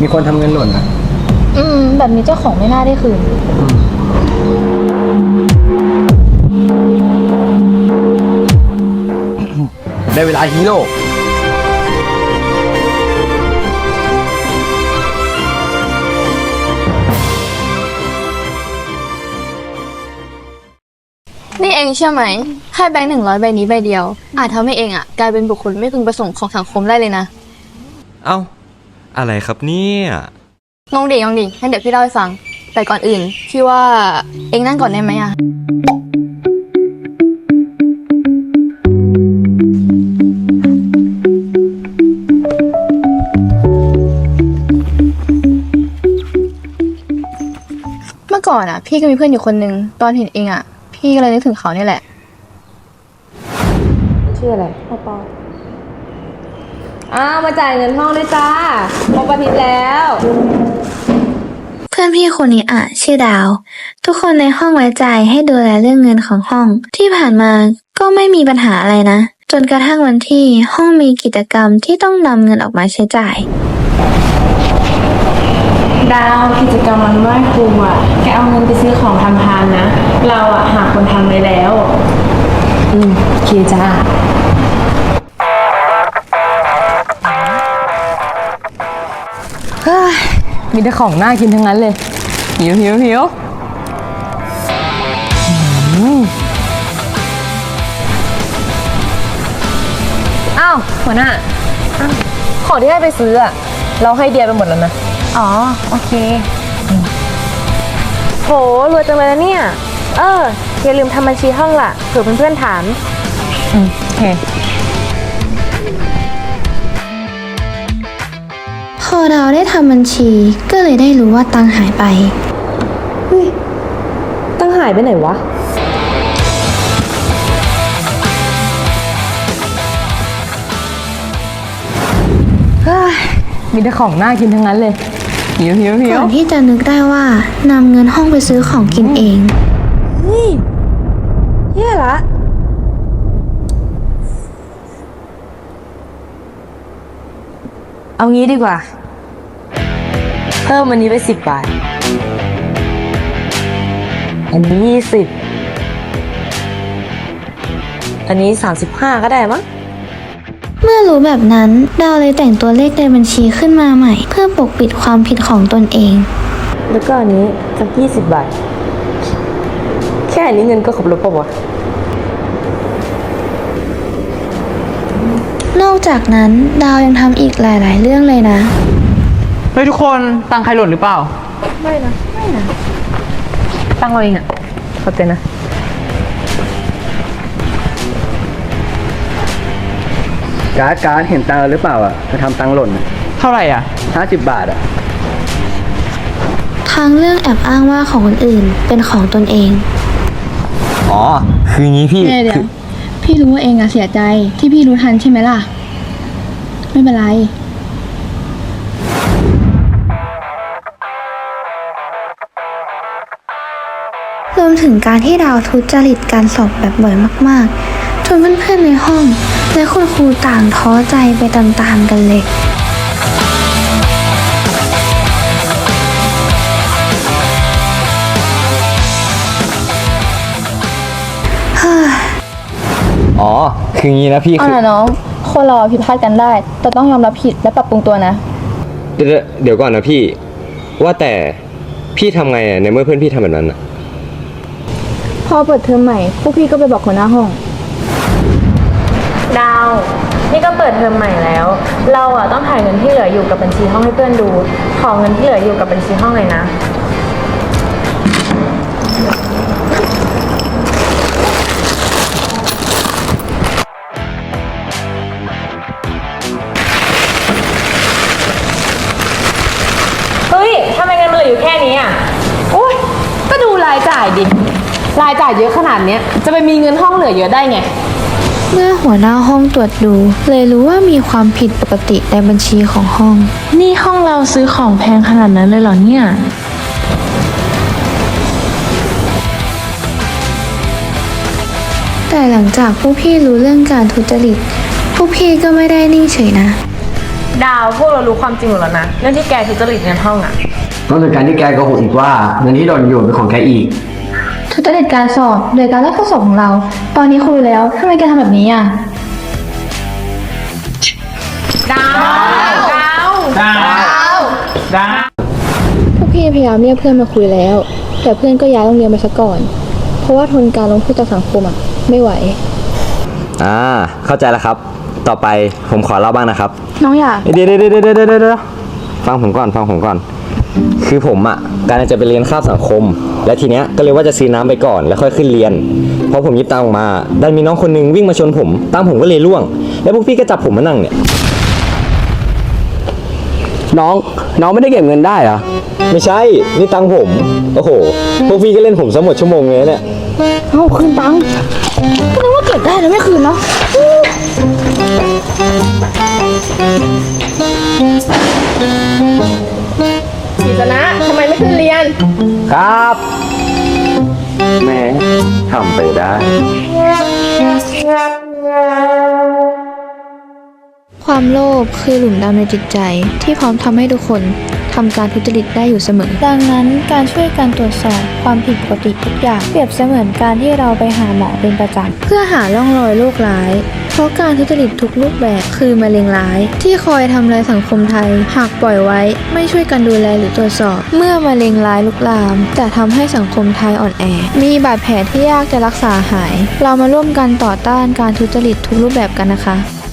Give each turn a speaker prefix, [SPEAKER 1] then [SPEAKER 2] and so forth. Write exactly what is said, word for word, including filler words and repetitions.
[SPEAKER 1] มีคนทำเงินหล่นนะ
[SPEAKER 2] อืมแบบนี้เจ้าของไม่น่าได้คืน
[SPEAKER 1] ได้เวลาฮีโร่
[SPEAKER 2] นี่เองเชื่อไหมแค่แบงค์หนึ่งร้อยใบนี้ใบเดียวอาจทำให้เองอ่ะกลายเป็นบุคคลไม่พึงประสงค์ของสังคมได้เลยนะ
[SPEAKER 3] เอ้าอะไรครับเนี่ย
[SPEAKER 2] งงดิงงดิงั้นเดี๋ยวพี่เล่าให้ฟังแต่ก่อนอื่นพี่ว่าเองนั่งก่อนได้ไหมอ่ะเมื่อก่อนอ่ะพี่ก็มีเพื่อนอยู่คนนึงตอนเห็นเองอ่ะพี่ก็เลยนึกถึงเขาเนี่ยแหละ
[SPEAKER 4] ชื่ออะไรพ่อปออ้าวมาจ่ายเงินห้องด้วยจ้าครบอาทิตย์แล้ว
[SPEAKER 5] เพื่อนพี่คนนี้อ่ะชื่อดาวทุกคนในห้องไว้ใจให้ดูแลเรื่องเงินของห้องที่ผ่านมาก็ไม่มีปัญหาอะไรนะจนกระทั่งวันที่ห้องมีกิจกรรมที่ต้องนำเงินออกมาใช้จ่าย
[SPEAKER 4] ดาวกิจกรรมวันไหว้ครูอ่ะแกเอาเงินไปซื้อของทำทานนะเราอ่ะหาคนทำไว้แล้วอืมโอเคจ้า
[SPEAKER 6] มีแต่ของน่ากินทั้งนั้นเลยหิวหิวหิวอ้าวหัวหน้าของที่ให้ไปซื้ออะเราให้เดียไปหมดแล้วนะ
[SPEAKER 4] อ๋อโอเคโหรวยจังเลยนะเนี่ยเอออย่าลืมทำบัญชีห้องล่ะเผื่อเพื่อนๆถาม
[SPEAKER 6] อืมโอเค
[SPEAKER 5] พอดาวได้ทำบัญชีก็เลยได้รู้ว่าตังหายไป
[SPEAKER 4] เฮ้ยตังหายไปไหนวะ
[SPEAKER 6] มีแต่ของน่ากินทั้งนั้นเลยหิวหิวหิว
[SPEAKER 5] ก่อนที่จะนึกได้ว่านำเงินห้องไปซื้อของกินเอง
[SPEAKER 4] เฮ้ยแย่ละ
[SPEAKER 6] เอางี้ดีกว่าเพิ่มอันนี้ไปสิบบาทอันนี้ยี่สิบอันนี้สามสิบห้าก็ได้มั้ง
[SPEAKER 5] เมื่อรู้แบบนั้นดาวเลยแต่งตัวเลขในบัญชีขึ้นมาใหม่เพื่อปกปิดความผิดของตนเอง
[SPEAKER 6] แล้วก็อันนี้สักยี่สิบบาทแค่อันนี้เงินก็ครบแล้วป่าววะ
[SPEAKER 5] นอกจากนั้นดาวยังทำอีกหลายๆเรื่องเลยนะ
[SPEAKER 7] เฮ้ยทุกคนตังใครหล่นหรือเปล่า
[SPEAKER 4] ไม่นะไม่นะ
[SPEAKER 6] ตั้งเราเองอ่ะขอบใจนะ
[SPEAKER 1] การ์ดการ์ดเห็นตังค์หรือเปล่าอ่ะจะทำตังค์หล่น
[SPEAKER 7] เท่าไหร่อ่ะ
[SPEAKER 1] ห้าสิบบาทอ่ะ
[SPEAKER 5] ทางเรื่องแอบอ้างว่าของคนอื่นเป็นของตนเอง
[SPEAKER 3] อ๋อคืองี้พี่
[SPEAKER 2] เดี๋ยวพี่รู้ว่าเองอะเสียใจที่พี่รู้ทันใช่ไหมล่ะไม่เป็นไร
[SPEAKER 5] รวมถึงการที่ดาวทุจริตการสอบแบบบ่อยมากๆจนเพื่อนๆในห้องและคุณครูต่างท้อใจไปตามๆกันเลย
[SPEAKER 3] อ๋อคืองี้นะพี่
[SPEAKER 2] เอาล่ะน้องคนเราผิดพลาดกันได้แต่ต้องยอมรับผิดและปรับปรุงตัวนะ
[SPEAKER 3] เดี๋ยวเดี๋ยวก่อนนะพี่ว่าแต่พี่ทำไงในเมื่อเพื่อนพี่ทำแบบนั้นอ่ะ
[SPEAKER 2] พอเปิดเทอมใหม่พวกพี่ก็ไปบอกหัวหน้าห้อง
[SPEAKER 4] ดาวนี่ก็เปิดเทอมใหม่แล้วเราอ่ะต้องถ่ายเงินที่เหลืออยู่กับบัญชีห้องให้เพื่อนดูขอเงินที่เหลืออยู่กับบัญชีห้องเลยนะเฮ้ยทำไมเงินมันเหลืออยู่แค่นี้อ่ะ
[SPEAKER 6] โอ๊ยก็ดูรายจ่ายดิรายจ่ายเยอะขนาดเนี้ยจะไปมีเงินห้องเหลือเยอะได้ไง
[SPEAKER 5] เมื่อหัวหน้าห้องตรวจดูเลยรู้ว่ามีความผิดปกติในบัญชีของห้อง
[SPEAKER 6] นี่ห้องเราซื้อของแพงขนาดนั้นเลยเหรอเนี่ย
[SPEAKER 5] แต่หลังจากพวกพี่รู้เรื่องการทุจริตพวกพี่ก็ไม่ได้นิ่งเฉยนะ
[SPEAKER 4] ดาวพวกเรารู้ความจริงหมดแล้วนะเรื่องที่แกทุจริตเงินห้องอะ
[SPEAKER 1] นอกจากการที่แกโกหกอีกว่าเงินที่โดนโยนเป็นของแกอีก
[SPEAKER 5] ทุจริตการสอบโดยการลอกข้อสอบของเรา ตอนนี้คุยแล้วทำไมแกทำแบบนี้อ่ะ
[SPEAKER 4] ดาวดาวดาวดาว
[SPEAKER 2] พวกพี่พยายามเรียกเพื่อนมาคุยแล้ว แต่เพื่อนก็ย้ายโรงเรียนไปซะก่อน เพราะว่าทนการลงโทษจากสังคมอ่ะไม่ไหว
[SPEAKER 3] อ่า เข้าใจแล้วครับ ต่อไปผมขอเล่าบ้างนะครับ
[SPEAKER 2] น้องอยาก
[SPEAKER 3] เดี๋ยวเดี๋ยวเดี๋ยวเดี๋ยวเดี๋ยวเดี๋ยวฟังผมก่อนฟังผมก่อน คือผมอ่ะการจะไปเรียนคาบสังคม และทีเนี้ยก็เลยว่าจะซื้อน้ำไปก่อนแล้วค่อยขึ้นเรียนพอผมหยิบตังค์ออกมาดันมีน้องคนนึงวิ่งมาชนผมตังค์ผมก็เลยร่วง แล้วพวกพี่ก็จับผมมานั่งเนี่ย
[SPEAKER 1] น้อง น้องไม่ได้เก็บเงินได้เหรอ
[SPEAKER 3] ไม่ใช่นี่ตังค์ผมโอ้โหพวกพี่ก็เล่นผมซะหมดชั่วโมงเลยเนี่ย
[SPEAKER 2] เอาคืนตังค์ก็นึกว่าเก็บได้แล้วไม่คืนเนาะ
[SPEAKER 6] กิจนะทำไมไม่ขึ้นเรียน
[SPEAKER 3] ครับแหมทำไปได้
[SPEAKER 2] ความโลภคือหลุมดำในจิตใจที่พร้อมทำให้ทุกคนทำการทุจริตได้อยู่เสมอ ดังนั้นการช่วยการตรวจสอบความผิดปกติทุกอย่างเปรียบเสมือนการที่เราไปหาหมอเป็นประจำเพื่อหาร่องรอยโรคร้าย เพราะการทุจริตทุกรูปแบบคือมะเร็งร้าย ที่คอยทำลายสังคมไทย หากปล่อยไว้ไม่ช่วยกันดูแลหรือตรวจสอบ เมื่อมะเร็งร้ายลุกลามจะทำให้สังคมไทยอ่อนแอ มีบาดแผลที่ยากจะรักษาหาย เรามาร่วมกันต่อต้านการทุจริตทุกรูปแบบกันนะคะ